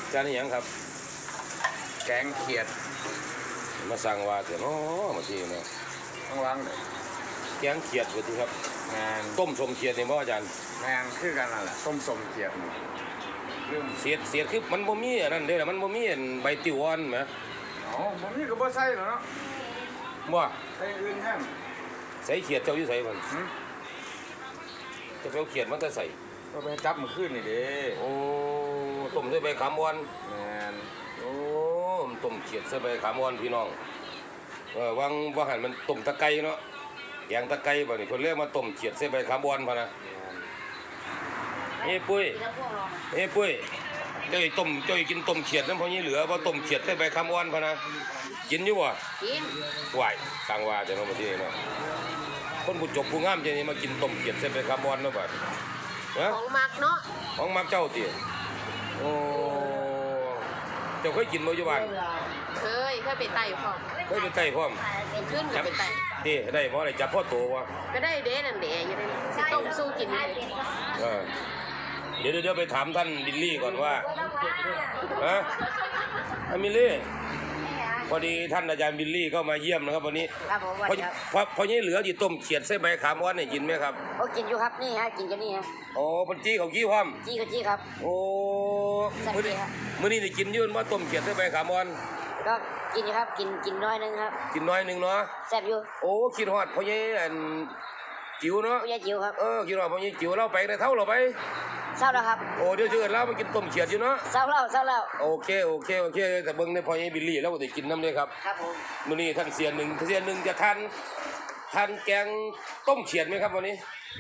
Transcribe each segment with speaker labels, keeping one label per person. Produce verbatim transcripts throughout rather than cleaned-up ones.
Speaker 1: จานนี้ยังครับ
Speaker 2: แกงเขียด
Speaker 1: มาสั่งว่าเถอะเนาะมาทีเนาะ
Speaker 2: ต้องล้างเลย
Speaker 1: แกงเขียดไปทีครับ
Speaker 2: งาน
Speaker 1: ต้มสมเขียดนี่บ่อาจารย์
Speaker 2: งานคือกันนั่นแหละต้มสมเขียด
Speaker 1: เรื่องเสียดเสียดคือมันบ่มีอันนั้นเด้อมันบ่มีใบติวอ่อนไหม
Speaker 2: อ๋อบ่มีก็บ่ใส่หรอกเนาะ
Speaker 1: บ่
Speaker 2: ใส่อื่นแท้
Speaker 1: ใส่เขียดเจ้าอยู่ใส่มันจะไปเอาเขียดมันจะใส่
Speaker 2: ก็ไปจับมันขึ้นนี่เด้
Speaker 1: โอ้ต้มใส่ใบขามอ่อน
Speaker 2: งาน
Speaker 1: โอ้ต้มเขียดใส่ใบขามอ่อนพี่น้องเออวางว่าหันมันต้มตะไคร้เนาะแกงตะไคร้บ่นี่เพิ่นเรียกมาต้มเขียดใส่ใบขามอ่อนพะนะเฮ้ปุ้ยเฮ้ปุ้ยเจ้าไอ้ต้มเจ้าไอ้กินต้มเขียดนั่นพอนี้เหลือบ่ต้มเขียดใส่ใบขามอ่อนพะนะกินอยู่บ่
Speaker 3: กิน
Speaker 1: ไหวสั่งว่าแต่เนาะบ่ที่เนาะคนผู้จบผู้งามจังนี้มากินต้มเขียดใส่ใบขามอ่อนเนาะบัดฮะ
Speaker 3: ของมักเนาะ
Speaker 1: ของมักเจ้าติโอ้เจ้าเคยกินบ่อยู่บ้าน
Speaker 3: เคยเคยไปไต่พร้อม
Speaker 1: เคยไปไต่พร้อม
Speaker 3: ขึ้นก็ไปไต่
Speaker 1: ติได้บ่ได้จับพ่อโตวะ
Speaker 3: ก็ได้เด้นั่นเด้อยู่ได้ต้มสู้กินเลย
Speaker 1: เออเดี๋ยวเดี๋ยวไปถามท่านบิลลี่ก่อนว่าฮะอามิลี่พอดีท่านอาจารย์บิลลี่ก็มาเยี่ยมนะครับวันนี้
Speaker 3: ครับผม
Speaker 1: พอพอพอนี้เหลือที่ต้มเขียดใส่ใบขามอ่อนเนี่ยกินไหมครับ
Speaker 3: โอ้กินอยู่ครับนี่ฮะกินกันนี่ฮะ
Speaker 1: โอ้ปัญจีเขากี้พร้อม
Speaker 3: จี้ก็จี้ครับ
Speaker 1: โอ้มื้อนี้มื้อนี้ได้กินยืนว่าต้มเขียดใส่ใบขามอ่อน
Speaker 3: ก็กินอยู่ครับกินกินน้อยนึงครับ
Speaker 1: กินน้อยนึงเนาะ
Speaker 3: แซ่บอยู่
Speaker 1: โอ้คิดฮอดพอนี้อันจิ๋วเนาะ
Speaker 3: พอนี้จิ๋วครับ
Speaker 1: เออคิดฮอดพอนี้จิ๋วเราไปได้เท่าเราไป
Speaker 3: เศร้าแล้วครับ
Speaker 1: โอ้เดี๋ยวเชิญเรามากินต้มเขียดอยู่เนาะ
Speaker 3: เศร้าแล้วเศร้าแล้ว
Speaker 1: โอเคโอเคโอเคแต่เบิ่งในพอนี้บิลลี่แล้วก็ได้กินน้ำเลยครับ
Speaker 3: ครับผม
Speaker 1: มื้อนี้ท่านเสียหนึ่งเสียหนึ่งจะทานทานแกงต้มเขียดไหมครับวันนี้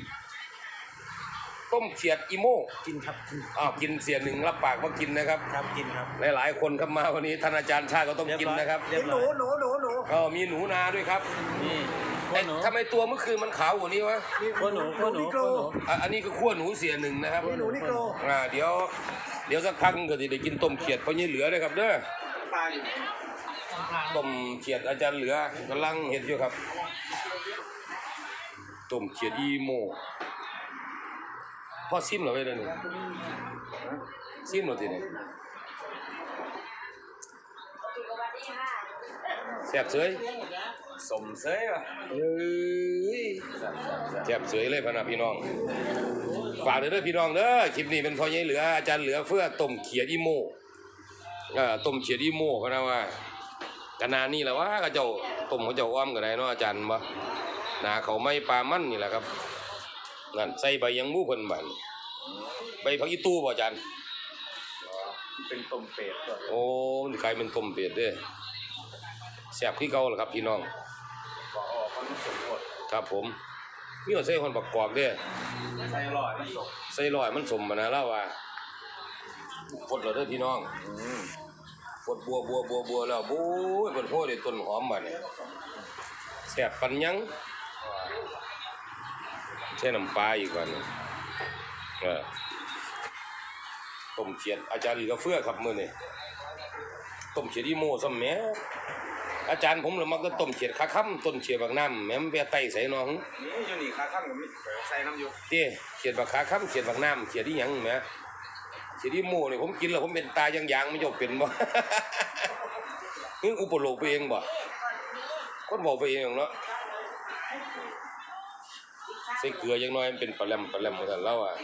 Speaker 1: ต้มเขียดอีโม่
Speaker 2: กินครับ
Speaker 1: อ้าวกินเสียหนึ่งรับปากว่ากินนะครับ
Speaker 2: ครับกินครับ
Speaker 1: หลายๆคนครับมาวันนี้ท่านอาจารย์ชาก็ต้องกินนะครับ
Speaker 2: หนูหนูหนูหนู
Speaker 1: ก็มีหนูนาด้วยครับนี่ทำไมตัวเมื่อคืนมันขาวกว่านี้วะ
Speaker 2: ขั้วหนูขั้วหนูขั้วหนู
Speaker 1: อันนี้คือขั้วหนูเสียหนึ่งนะครับ
Speaker 2: หนูนิโกร
Speaker 1: อ่าเดี๋ยวเดี๋ยวสักพักก็จะได้กินต้มเขียดเพราะนี่เหลือเลยครับเด้อต้มเขียดอาจารย์เหลือกำลังเห็นอยู่ครับต้มเขียดอีโมพ่อซิมเหรอไปเลยนี่ซิมเหรอทีนี้แซ่บเสย
Speaker 2: สมเสยว่ะ
Speaker 1: เอ้ยแซ่บเสยเลยพะนะพี่น้องฝากเด้อพี่น้องเด้อคลิปนี้เป็นพ่อใหญ่เหลืออาจารย์เหลือเพื่อต้มเขียดอีโมอ่าต้มเขียดอีโมพะนะว่าขนาดนี้แหละว่าเขาเจ้าต้มเขาเจ้าอ้อมกันได้เนาะอาจารย์บ่หน้าเขาไม่ปลามันนี่แหละครับนั่นใส่ใบยังมูเพิ่นบัดใบผักอีตู้บ่อาจารย์
Speaker 2: เป็นต้มเป็ด
Speaker 1: โอ้มันกลายเป็นต้มเป็ดเด้อแซ่บคือเก่าล่ะครับพี่น้อง
Speaker 2: ก็ออกมันสมบูรณ์
Speaker 1: ครับผมมีเอาใส่คนประกอบเด้อ
Speaker 2: ใส่ลอยมันสม
Speaker 1: ใส่ลอยมันสมบ่นะแล้วว่าฟดแล้วเด้อพี่น้อง
Speaker 2: อืม
Speaker 1: ฟดบัวบัวบัวบัวแล้วโอ้ยเพิ่นโหได้ต้นหอมบัดนี้แซ่บปานยังใส่น้ำปลาอีกบัดนี้เออต้มเขียดอาจารย์เหลือเฟือครับมื้อนี้ต้มเขียดอีโม่ซ้ำแหมอาจารย์ผมเลยมักจะต้มเขียดขาค่ำต้นเขียดบักน้ำแม่มแปะไตใส่น้อง
Speaker 2: นี่อยู่นี่ขาค่ำกับมีใส่น้ำอยู่
Speaker 1: เต้เขียดบักขาค่ำเขียดบักน้ำเขียดที่หยังแหมเขียดอีโม่นี่ผมกินแล้วผมเป็นตายังยางไม่ยกเป็นบ่นี่อุปโลกไปเองบ่คนบอกไปเองเนาะใส่เกลือยังน้อยมันเป็นปลาแหลมปลาแหลมเหมือนกันแล้วอ่ะ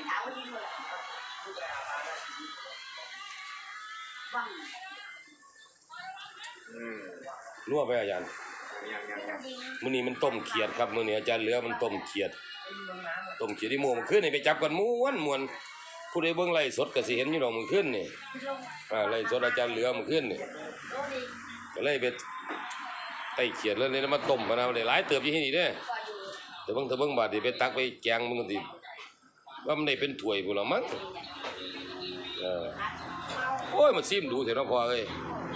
Speaker 1: นัวไปอาจารย์มื้อนี้มันต้มเขียดครับมื้อนี้อาจารย์เหลือมันต้มเขียดต้มเขียดที่โมมันขึ้นนี่ไปจับกันม้วนม้วนผู้ใดเบิ่งไล่สดก็สิเห็นอยู่ดอกมันขึ้นนี่อ่าไล่สดอาจารย์เหลือมันขึ้นนี่ก็เลยไปไต่เขียดแล้วนี่มาต้มมานะได้หลายเติบอยู่ที่นี่เด้อแต่เบิ่งถ้าเบิ่งบาดนี่ไปตักไปแกงมันก็สิว่ามันได้เป็นถ้วยพุ่นล่ะมั้งเออโอ้ยมันซิมดูเถอะเนาะพ่อเอ้ย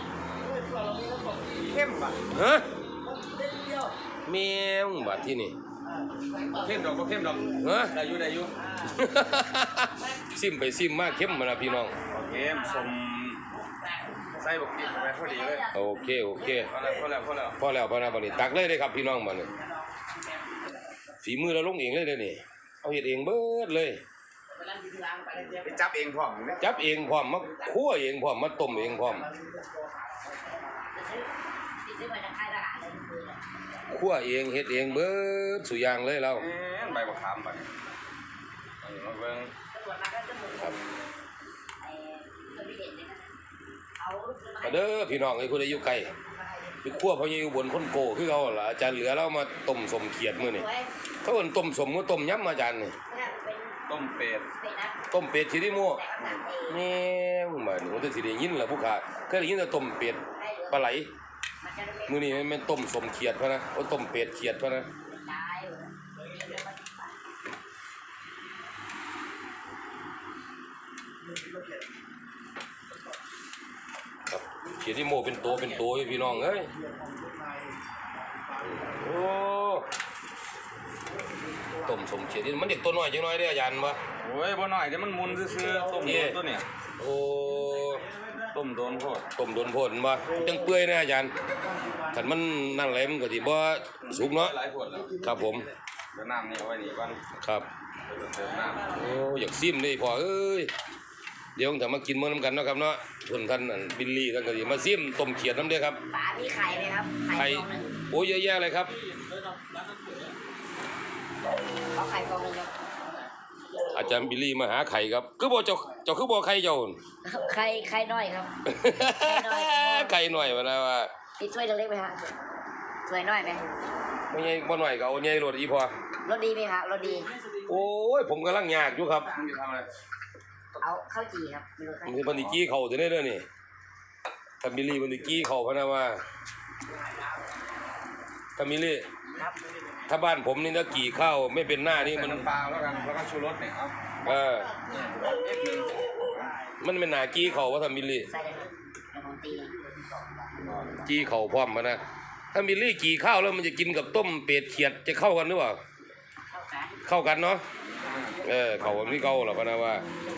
Speaker 2: เข้มป่ะ
Speaker 1: ฮะแมวบาดที่นี่
Speaker 2: เข้มดอกก็เข้มดอก
Speaker 1: ฮะ
Speaker 2: ได้อยู่ได้อยู่
Speaker 1: ซิมไปซิมมากเข้มมานะพี่น้อง
Speaker 2: เข้มสมใส่บกพริกไปพอดีเลย
Speaker 1: โอเคโอเค
Speaker 2: พอแล้วพอแล้วพอแล้ว
Speaker 1: พอแล้วพอแล้วบัดนี้ตักเลยเลยครับพี่น้องบัดนี้ฝีมือเราลงเองเลยเด้อนี่เอาเฮ็ดเองเบิดเลย
Speaker 2: ไปจับเองพร้อมเนี่ย
Speaker 1: จับเองพร้อมมาคั่วเองพร้อมมาต้มเองพร้อมคั่วเองเฮ็ดเองเบิดสุอย่างเลยเรา
Speaker 2: เอ๊ะใบบักขามไปเอามาเบิ่ง
Speaker 1: ครับมาเด้อพี่น้องไอ้ผู้ใดอยู่ไกลไปคั่วเพราะอยู่บนคนโกคือเขาล่ะอาจารย์เหลือเรามาต้มสมเขียดมื้อนี่เขาเอิ้นต้มสมมื้อต้มยำอาจารย์นี่
Speaker 2: ต้มเป็ด
Speaker 1: ต้มเป็ดที่นี่มั่วแม่งมาหนูจะสิได้ยินล่ะผู้ขาเคยได้ยินแต่ต้มเป็ดปลาไหลมื้อนี้มันเป็นต้มสมเขียดพะนะโอ้ต้มเป็ดเขียดพะนะครับเขียดที่โมเป็นตัวเป็นตัวอยู่พี่น้องเอ้ยโอ้ต้มสมเขียดนี่มันเด็กตัวน้อยจังน้อยเด้ออาจารย์บ่
Speaker 2: โอ้ยบ่หน่อยเดี๋ยวมันมุนซื่อๆต้มโดนตัวเนี่ย
Speaker 1: โอ้
Speaker 2: ต้มโดนโพด
Speaker 1: ต้มโดนโพดบ่จังเปื่อยนะอาจารย์คันมันนั่นแหละมันก็สิบ่สุกเนาะ
Speaker 2: หลายขวดแล้ว
Speaker 1: ครับผม
Speaker 2: เดี๋ยวน้ำนี่เอาไว้นี่ก่อน
Speaker 1: ครับ
Speaker 2: เดี๋ยวเติมน้ำ
Speaker 1: โอ้อยากซิมเลยพ่อเอ้ยเดี๋ยวถ้ามากินมื้อนํกันเนาะครับเนาะเพิ่นท่านนั่นบิลลี่ท่านก็สิมาซิมต้มเขียดนำเด้อครับ
Speaker 3: ป๋ามีไข่ไหมครับ
Speaker 1: ไข่
Speaker 3: ฟองหนึ่ง
Speaker 1: โอ้เยอะแยะเลยครับ
Speaker 3: ขอไข่ฟองหนึ่งครับ
Speaker 1: อาจารย์บิลลี่มาหาไข่ครับคือบ่เจ้าเจ้าคือบ่ไข่เจ้า
Speaker 3: ไข่ไข่น้อยครับ ไข่น้อย
Speaker 1: ไข่หน่อยว่านะว่า
Speaker 3: ติดถ้วยเล็กๆไหมฮะถ้วยน้อยไหม
Speaker 1: บ่ใหญ่บ่น้อยก็เอาใหญ่โลดอีพอ
Speaker 3: รสดีไหมครับรสดี
Speaker 1: โอ้ยผมกำลังยากอยู่ครับ
Speaker 2: มึงจะทำอะไร
Speaker 3: เอาข้าวจี่ครับไม่รู้ข้าว
Speaker 1: มันสิเพิ่นสิกี้เข้าตัวนี้เด้อนี่ถ้าบิลลี่เพิ่นสิกี้เข้าพะนะว่าถ้าบิลลี่
Speaker 3: ครับ
Speaker 1: ถ้าบ้านผมนี่นะกี่ข้าวไม่เป็นหน้านี่
Speaker 2: ใส่
Speaker 1: มัน
Speaker 2: น้ำปลาแล้วกันแล้วก็ชูรสเนี่ยเอา
Speaker 1: เออ
Speaker 2: นิดนึง
Speaker 1: มันเป็นหนากี้เขาว่าทำบิลลี่
Speaker 3: ใส่เลยครับเดี๋ยวผมตี
Speaker 1: กี้เขาพร้อมมานะถ้าบิลลี่กี่ข้าวแล้วมันจะกินกับต้มเป็ดเขียดจะเข้ากันหรือเปล่า
Speaker 3: เข้ากัน
Speaker 1: เข้ากันเนาะเออเขาแบบนี้เข้าหรอพะนะว่า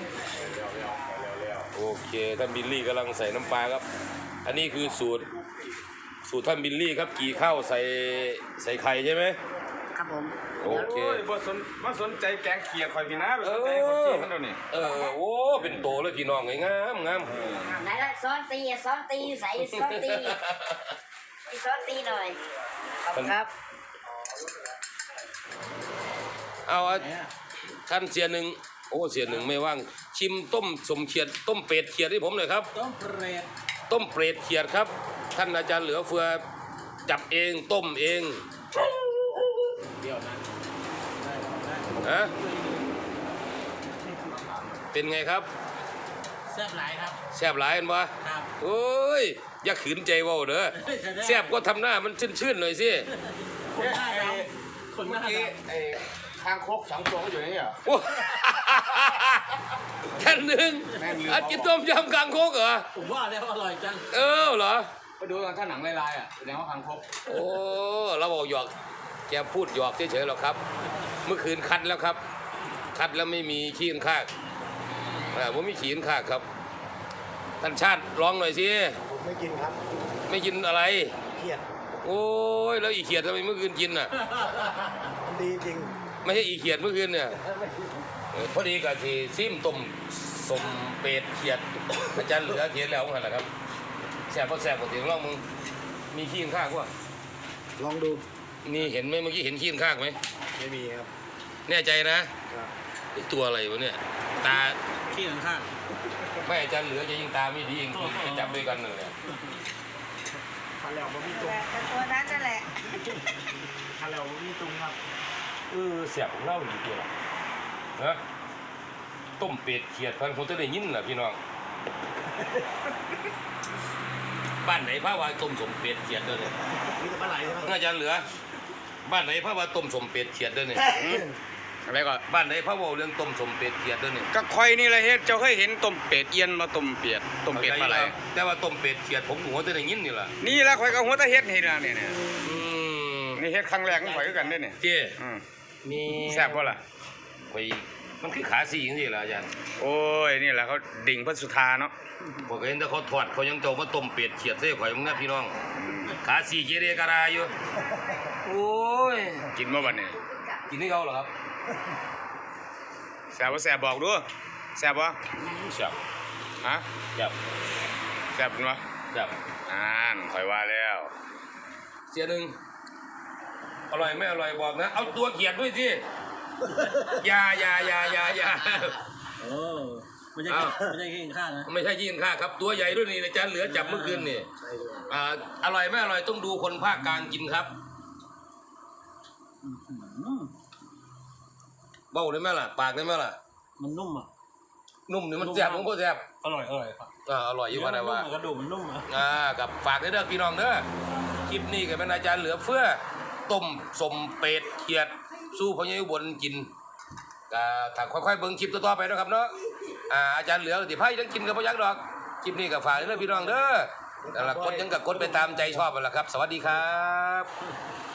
Speaker 1: โอเคท่านบิลลี่กำลังใส่น้ำปลาครับ อันนี้คือสูตรสูตรท่านบิลลี่ครับกี่ข้าวใส่ใส่ไข่ใช่ไหม
Speaker 3: ครับผม
Speaker 1: โอเค
Speaker 2: โอ้ยบ่สนบ่สนใจแกงเขียดข่อยพี่นะไปสนใจคนจีนมันเดี๋ยวนี้
Speaker 1: เออโอ้เป็นโตเลยพี่น้องไงงามงาม
Speaker 3: ไหนละซ้อนตีซ้อนตีใส่ซ้อนตีซ้อนตีหน่อยขอบคุณครับ
Speaker 1: เอาอ่ะท่านเสียหนึ่งโอ้เสียหนึ่งไม่ว่างชิมต้มสมเขียดต้มเป็ดเขียดให้ผมหน่อยครับ
Speaker 4: ต้มเปรต
Speaker 1: ต้มเป็ดเขียดครับ ท่านอาจารย์เหลือเฟือจับเองต้มเอง
Speaker 4: เดี๋ยวนะได้ได้
Speaker 1: ฮะเป็นไงครับ
Speaker 4: แซ่บหลายครับ
Speaker 1: แซ่บหลายอันวะ
Speaker 4: ครับ
Speaker 1: โอ้ยอย่าขืนใจเว่าเด้อแซ่บก็ทำหน้ามันชื่นๆหน่อยสิ
Speaker 4: คนหน้าดำคนห
Speaker 2: เมื่อ
Speaker 4: น้า
Speaker 2: กี้
Speaker 4: ดำ
Speaker 2: ไอ้คางคกสองตัวก็อยู่ในนี่เหรอ
Speaker 1: โอ้ท่านหนึ่ง
Speaker 2: แม่งลืม
Speaker 1: อากินต้มยำกลางโคกเหรอ
Speaker 4: ผมว่าแล้วอร่อยจัง
Speaker 1: เออเหรอ
Speaker 2: ไปดูตอนถ้าหนังลายๆอ่ะแสดงว่าคางคก
Speaker 1: โอ้เราบอกหยอกแกพูดหยอกเฉยๆหรอกครับ เมื่อคืนคัดแล้วครับ คัดแล้วไม่มีขี้นข้างอ่าผมมีขี้นข้างครับท่านชาติร้องหน่อยสิ
Speaker 5: ผมไม่กินครับ
Speaker 1: ไม่กินอะไร
Speaker 5: เครียด
Speaker 1: โอ้ยแล้วอีเขียดทำไมเมื่อคืนกินน่ะ
Speaker 5: มันดีจริง
Speaker 1: ไม่ใช่อีเขียดเมื่อคืนเนี่ยเออพอดีกับที่ซิมต้มสมเป็ดเขียดอาจารย์เหลือเขียนแล้วเหรอครับแสบพอแสบปกติลองมึงมีขี้ข้างวะ
Speaker 5: ลองดู
Speaker 1: นี่เห็นไหมเมื่อกี้เห็นขี้ข้างไหม
Speaker 5: ไม่มีครับ
Speaker 1: แน่ใจนะครับ ไอ้ตัวอะไรวะเนี่ยตา
Speaker 4: ขี้ข้าง
Speaker 1: ไม่อาจารย์เหลือจะยิงตาไม่ดีเองจะจับด้วยกันเลย
Speaker 5: คันแล้วมันมีตุง
Speaker 3: แต่ตัวนั้นนั่นแหละ
Speaker 5: คันแล้วมันมีตุงครับ
Speaker 1: เออเสียบของเราอยู่ตัวละนะต้มเป็ดเขียดพันผมจะได้ยินแหละพี่น้องบ้านไหนพระว่าต้มสมเป็ดเขียดเด้อเนี่ย
Speaker 5: มีแต่ปลาไหลใช่ไหม
Speaker 1: อาจารย์เหลือ บ้านไหนพระว่าต้มสมเป็ดเขียดเด้อเนี่ย
Speaker 2: อะไรก็
Speaker 1: บ้านไหนพระว่าเรื่องต้มสมเป็ดเขียดเด้อเนี่ย
Speaker 2: ก็คอยนี่แหละเฮ็ดเจ้าเคยเห็นต้มเป็ดเอียนมาต้มเป็ดต้มเป็ดปลาไหล
Speaker 1: แต่ว่าต้มเป็ดเขียดผมหัวจะได้ยินนี่แหละ
Speaker 2: นี่แหละคอยก็หัวตะเฮ็ดให้ล่ะเนี่ยเนี่ย
Speaker 1: อืม
Speaker 2: นี่เฮ็ดครั้งแรกของข่อยคือกันเด้อเนี่ย
Speaker 1: เจ้
Speaker 2: อืม
Speaker 1: มี
Speaker 2: แซ่บบ่ล่ะ
Speaker 1: ไปมันคือขาสี่จังซี่ล่ะอาจารย์
Speaker 2: โอ้ยนี่แหละเขาดิ่งพระสุธาเนาะ
Speaker 1: ผมก็เห็นแต่เขาทอดเขายังเจ้ามาต้มเป็ดเขียดใส่ข่อยมึงนะพี่น้อง ขาสี่เจเรการาอยู่โอ้ย
Speaker 2: กินมาบัดนี้
Speaker 1: กินให้เขาเหรอครับ
Speaker 2: แซ่บบ่แซ่บบอกดูแซ่บบ่
Speaker 1: แซ่บ
Speaker 2: ฮะ
Speaker 1: แซ่บ
Speaker 2: แซ่บเป็นบ่
Speaker 1: แซ่บ
Speaker 2: อ่านข่อยว่าแล้ว
Speaker 1: เสียหนึ่งอร่อยไม่อร่อยบอกนะ เอาตัวเขียดด้วยสิอย่าอย่าอย่าอย่าอย่า
Speaker 4: โอ้ไม่ใช่ไม่ใช่แค่กินข้าวนะ
Speaker 1: ไม่ใช่ยินค่าครับ ตัวใหญ่ด้วยนี่อาจารย์เหลือจับเมื่อคืนนี่อ่าอร่อยไม่อร่อยต้องดูคนภาคกลางกินครับ
Speaker 4: อืม
Speaker 1: เบ้าได้ไหมล่ะ ปากได้ไหมล่ะ
Speaker 4: มันนุ่มอ่ะ
Speaker 1: นุ่มนี่มันแซ่บมันก็แซ่บ
Speaker 4: อร่อยอร่อยครับ
Speaker 1: อ่าอร่อยอยู่ว่านะว่า
Speaker 4: กระดูกมันนุ่มอ่ะ
Speaker 1: อ่ากับฝากเด้อพี่น้องเด้อคลิปนี้ก็เป็นอาจารย์เหลือเฟือต้มสมเป็ดเขียดสู้พญายุบลกินก็ถ้าค่อยๆเบิ่งคลิปต่อๆไปนะครับเนาะอ่าอาจารย์เหลือติไพ่ยังกินกับพยักดอกคลิปนี้ก็ฝากเด้อพี่น้องเด้อนั่นล่ะกดยังกับกดไปตามใจชอบนั่นแหละครับ สวัสดีครับ